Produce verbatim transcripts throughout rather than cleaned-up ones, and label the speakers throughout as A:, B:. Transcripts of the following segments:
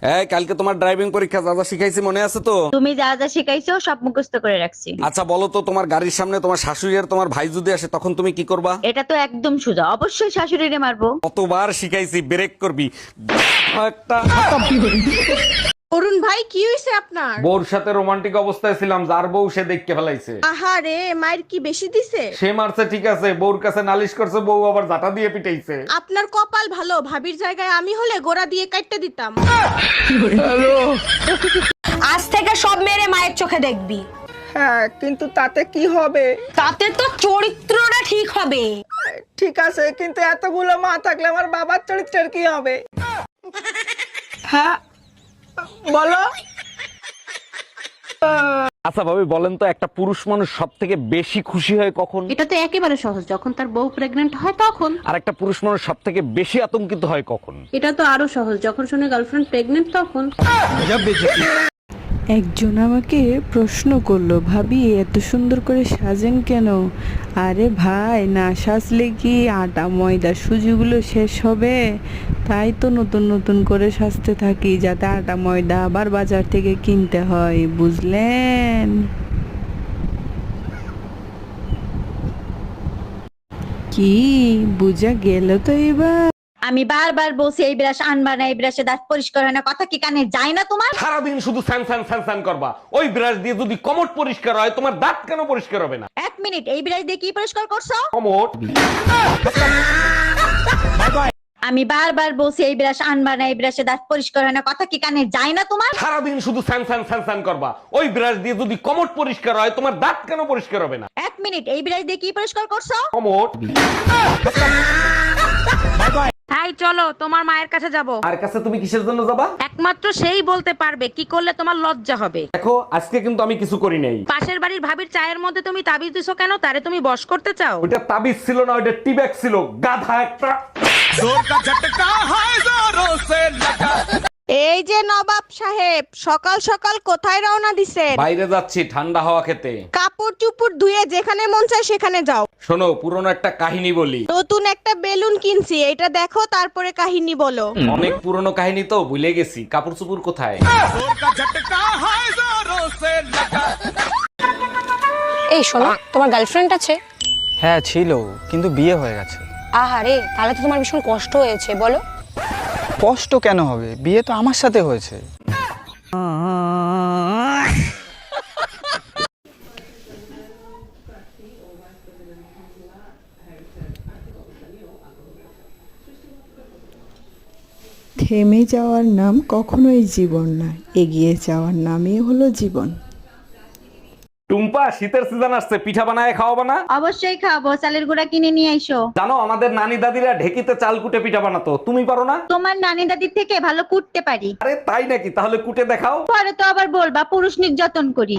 A: এই কালকে তোমার ড্রাইভিং পরীক্ষা যা যা শিখাইছি মনে আছে তো?
B: তুমি যা যা শিখাইছো সব মুখস্থ করে রাখছি।
A: আচ্ছা বলো তো, তোমার গাড়ির সামনে তোমার শাশুড়ি আর তোমার ভাই যদি আসে তখন তুমি কি করবা?
B: এটা তো একদম সোজা, অবশ্যই শাশুড়িরে মারবো।
A: কতবার শিখাইছি ব্রেক করবি একটা।
C: অরুণ ভাই কি হইছে আপনার?
A: বউর সাথে রোমান্টিক অবস্থায় ছিলাম, যার বউ সে দেখতে ফেলাইছে।
C: আহারে, মায়ের কি বেশি দিছে?
A: সে মারছে ঠিক আছে, বউর কাছে নালিশ করছে, বউ আবার জাটা দিয়ে পিটাইছে।
C: আপনার কপাল ভালো, ভাবির জায়গায় আমি হলে গোড়া দিয়ে কাটতে দিতাম।
D: আজ থেকে সব মেরে মায়ের চোখে দেখবি।
E: হ্যাঁ, কিন্তু তাতে কি হবে?
D: তাতে তো চরিত্রটা ঠিক হবে।
E: ঠিক আছে, কিন্তু এতগুলো মা থাকলে আমার বাবার চরিত্রের কি হবে? হ্যাঁ বলো।
A: আচ্ছা ভাবি বলেন তো, একটা পুরুষ মানুষ সব থেকে বেশি খুশি হয় কখন?
F: এটা তো একেবারে সহজ, যখন তার বউ প্রেগন্যান্ট হয় তখন।
A: আর একটা পুরুষ মানুষ সব থেকে বেশি আতঙ্কিত হয় কখন?
F: এটা তো আরো সহজ, যখন শুনে গার্লফ্রেন্ড প্রেগন্যান্ট তখন।
G: একজন আমাকে প্রশ্ন করলো, ভাবি এত সুন্দর করে সাজেন কেন? আরে ভাই, না সাজলে কি আটা ময়দা সুজিগুলো শেষ হবে? তাই তো নতুন নতুন করে সাজতে থাকি, যাতে আটা ময়দা আবার বাজার থেকে কিনতে হয়, বুঝলেন? কি বুঝা গেল তো এবার?
B: আমি বারবার বলছি এই ব্রাশ আনবা না, এই ব্রাশে দাঁত পরিষ্কার হয় না, কথা কি কানে যায় না তোমার?
A: সারাদিন শুধু স্যান স্যান স্যান স্যান করবা। ওই ব্রাশ দিয়ে যদি কমট পরিষ্কার হয়, তোমার দাঁত কেন পরিষ্কার হবে না?
B: এক মিনিট, এই ব্রাশ দিয়ে কি পরিষ্কার করছো?
A: কমট।
B: আমি বারবার বলছি এই ব্রাশ আনবা না, এই ব্রাশে দাঁত পরিষ্কার হয় না, কথা কি কানে যায় না তোমার?
A: সারাদিন শুধু স্যান স্যান স্যান স্যান করবা। ওই ব্রাশ দিয়ে যদি কমট পরিষ্কার হয়, তোমার দাঁত কেন পরিষ্কার হবে না?
B: এক মিনিট, এই ব্রাশ দিয়ে কি পরিষ্কার করছো?
A: কমট।
F: তাই চলো তোমার মায়ের কাছে যাব।
A: আর কাছে তুমি কিসের জন্য যাবা?
F: একমাত্র সেই বলতে পারবে কি করলে তোমার লজ্জা হবে।
A: দেখো আজকে কিন্তু আমি কিছু করি নাই।
F: পাশের বাড়ির ভাবির চায়ের মধ্যে তুমি তাবিজ দিছো কেন? তারে তুমি বশ করতে চাও?
A: ওটা তাবিজ ছিল না, ওটা টিব্যাগ ছিল, গাধা একটা।
C: এই যে নবাব সাহেব, সকাল সকাল কোথায় রওনা দিছেন?
A: বাইরে যাচ্ছি ঠান্ডা হাওয়া খেতে।
C: কাপড় চুপড় ধুয়ে যেখানে মন চায় সেখানে যাও।
A: শোনো, পুরনো একটা কাহিনী বলি।
C: নতুন একটা বেলুন কিনছি, এটা দেখো তারপরে কাহিনী বলো।
A: অনেক পুরনো কাহিনী তো ভুলে গেছি। কাপড় চুপুর কোথায়?
D: এই শোনো, তোমার গার্লফ্রেন্ড আছে?
H: হ্যাঁ ছিল, কিন্তু বিয়ে হয়ে গেছে।
D: আহারে, তাহলে তো তোমার ভীষণ কষ্ট হয়েছে, বলো।
H: কষ্ট কেন হবে, বিয়ে তো আমার সাথে হয়েছে।
G: থেমে যাওয়ার নাম কখনোই জীবন না, এগিয়ে যাওয়ার নামই হলো জীবন।
A: টুম্পা, শীতের সিজন আসছে, পিঠা বানায় খাওয়াবা না?
B: অবশ্যই খাবো, চালের গুঁড়া কিনে নিয়ে আইসো।
A: জানো আমাদের নানি দাদিরা ঢেকিতে চাল কুটে পিঠা বানাতো, তুমি পারো না?
B: তোমার নানি দাদির থেকে ভালো কুটতে পারি।
A: আরে তাই নাকি? তাহলে কুটে দেখাও।
B: পরে তো আবার বলবা পুরুষ নির্যাতন করি।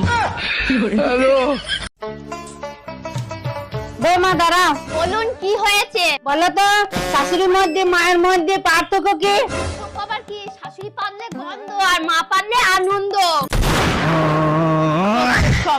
D: বৌমা দাঁড়াও।
I: বলুন কি হয়েছে?
D: বলো তো, শাশুড়ির মধ্যে মায়ের মধ্যে পার্থক্য কি?
I: আবার কি? শাশুড়ি পারলে গন্ধ আর মা পারলে আনন্দ। সব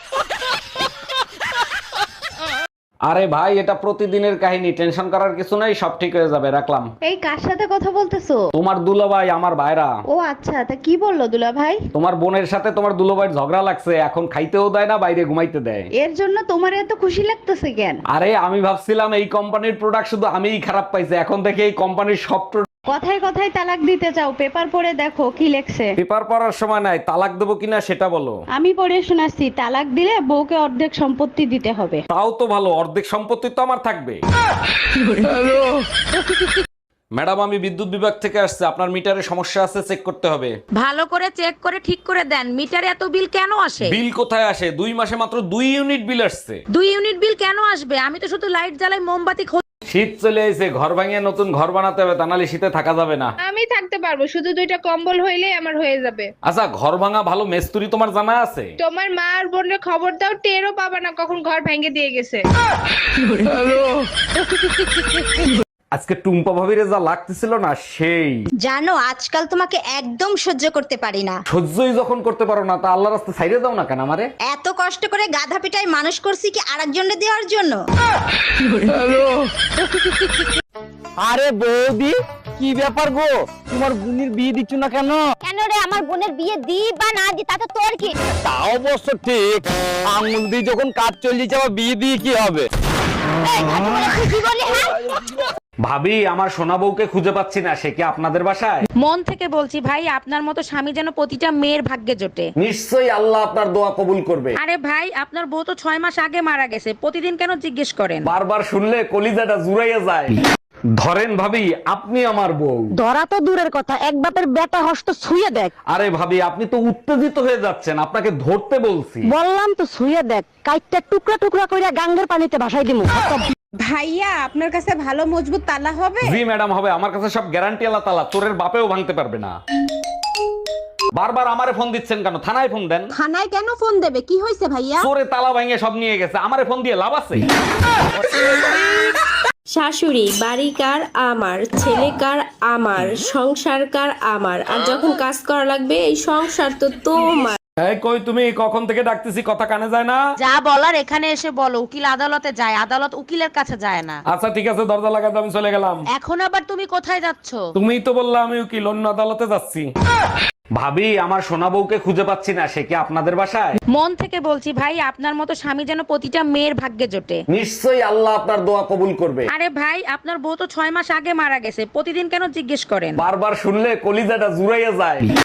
A: আরে ভাই, এটা প্রতিদিনের কাহিনী, টেনশন করার কিছু নাই, সব ঠিক হয়ে যাবে, রাখলাম।
B: এই কার সাথে কথা বলতেছো?
A: তোমার দুলাভাই, আমার ভাইরা।
B: ও আচ্ছা, তা কি বললো দুলা ভাই?
A: তোমার বোনের সাথে তোমার দুলাভাইয়ের ঝগড়া লাগছে, এখন খাইতেও দেয় না, বাইরে ঘুমাইতে দেয়।
B: এর জন্য তোমার এত খুশি লাগতেছে কেন?
A: আরে আমি ভাবছিলাম এই কোম্পানির প্রোডাক্ট শুধু আমিই খারাপ পাইছি, এখন দেখি এই কোম্পানির সব
B: কথায় কথায় তালাক দিতে চাও, পেপার পড়ে দেখো কি লেখছে।
A: পেপার পড়ার সময় নাই, তালাক দেবো কিনা সেটা বলো।
B: আমি পড়ে শোনাচ্ছি, তালাক দিলে বউকে অর্ধেক সম্পত্তি দিতে হবে।
A: তাও তো ভালো, অর্ধেক সম্পত্তি তো আমার থাকবে। ম্যাডাম, আমি বিদ্যুৎ বিভাগ থেকে আসছে, আপনার মিটারে সমস্যা আছে, চেক করতে হবে।
F: ভালো করে চেক করে ঠিক করে দেন। মিটারে এত বিল কেন আসে?
A: বিল কোথায় আসে? দুই মাসে মাত্র দুই ইউনিট বিল আসছে।
F: দুই ইউনিট বিল কেন আসবে? আমি তো শুধু লাইট জ্বালাই, মোমবাতি খোঁজ।
A: শীত চলে এসে, ঘর ভাঙিয়ে নতুন ঘর বানাতে হবে, তা নাহলে শীতে থাকা যাবে না।
C: আমি থাকতে পারবো, শুধু দুইটা কম্বল হইলেই আমার হয়ে যাবে।
A: আচ্ছা, ঘর ভাঙা ভালো মেস্তুরি তোমার জানা আছে?
C: তোমার মা আর বোনের খবর দাও, টেরও পাবা না কখন ঘর ভেঙে দিয়ে গেছে।
A: আজকে টুম্পা ভাবিরে যা লাগতেছিল না, সেই।
B: জানো আজকাল তোমাকে একদম সহ্য করতে পারি না।
A: সহ্যই যখন করতে পারো না, তা আল্লাহর রাস্তায় ছাইড়ে দাও না কেন আমারে?
B: এত কষ্ট করে গাধা পিটায় মানুষ করছি কি আরেকজনের দেওয়ার জন্য?
H: আরে বৌদি কি ব্যাপার গো, তোমার বোনের বিয়ে দিচ্ছ না কেন?
I: কেন রে, আমার বোনের বিয়ে দি বা না দি তাতে তোর কি?
H: তা অবশ্য ঠিক, আঙুল দিয়ে যখন কাজ চলে যাবে বিয়ে দিয়ে কি হবে?
I: এই, এত বড় তুই কি বললি, হ্যাঁ?
A: ভাবি আমার সোনা বউকে খুঁজে পাচ্ছি না, সে কি আপনাদের বাসায়?
F: মন থেকে বলছি ভাই, আপনার মতো স্বামী যেন প্রতিটা মেয়ের ভাগ্যে জোটে।
A: নিশ্চয়ই আল্লাহ আপনার দোয়া কবুল করবে।
F: আরে ভাই, আপনার বউ তো ছয় মাস আগে মারা গেছে, প্রতিদিন কেন জিজ্ঞেস করেন?
A: বারবার শুনলে কলিজাটা জুড়াইয়া যায়। ধরেন ভাবি, আপনি আমার বউ।
D: ধরা তো দূরের কথা, এক বাপের বেটা হস্ত ছুঁয়ে দেখ।
A: আরে ভাবি, আপনি তো উত্তেজিত হয়ে যাচ্ছেন, আপনাকে ধরতে বলছি।
D: বললাম তো ছুঁয়ে দেখ, কাইটটা টুকরা টুকরা কইরা গাঙ্গের পানিতে ভাসাই দিমু।
C: ভাইয়া আপনার কাছে ভালো মজবুত তালা হবে?
A: জি ম্যাডাম হবে, আমার কাছে সব গ্যারান্টি আল্লাহ তালা, চোরের বাপেও ভাঙতে পারবে না। বারবার আমারে ফোন দিচ্ছেন কেন? থানায় ফোন দেন।
D: থানায় কেন ফোন দেবে, কি হয়েছে ভাইয়া?
A: চোরে তালা ভাঙিয়ে সব নিয়ে গেছে, আমারে ফোন দিয়ে লাভ আছে?
J: শাশুড়ি বাড়ি কার? আমার। ছেলে কার? আমার। সংসার কার? আমার। আর যখন কাজ করা লাগবে এই সংসার তো তোমার।
A: এই কই তুমি, কখন থেকে ডাকতেছি, কথা কানে যায় না?
F: যা বলার এখানে এসে বলো। উকিল আদালতে যায়, আদালত উকিলের কাছে যায় না।
A: আচ্ছা ঠিক আছে, দরজা লাগাতে আমি চলে গেলাম।
F: এখন আবার তুমি কোথায় যাচ্ছ?
A: তুমিই তো বললা আমি উকিল, অন্য আদালতে যাচ্ছি। ভাবি আমার সোনা বউকে খুঁজে পাচ্ছি না, সে কি আপনাদের বাসায়?
F: মন থেকে বলছি ভাই, আপনার মতো স্বামী যেন প্রতিটা মেয়ের ভাগ্যে জোটে।
A: নিশ্চয়ই আল্লাহ আপনার দোয়া কবুল করবে।
F: আরে ভাই, আপনার বউ তো ছয় মাস আগে মারা গেছে, প্রতিদিন কেন জিজ্ঞেস করেন?
A: বারবার শুনলে কলিজাটা জুড়াইয়া যায়।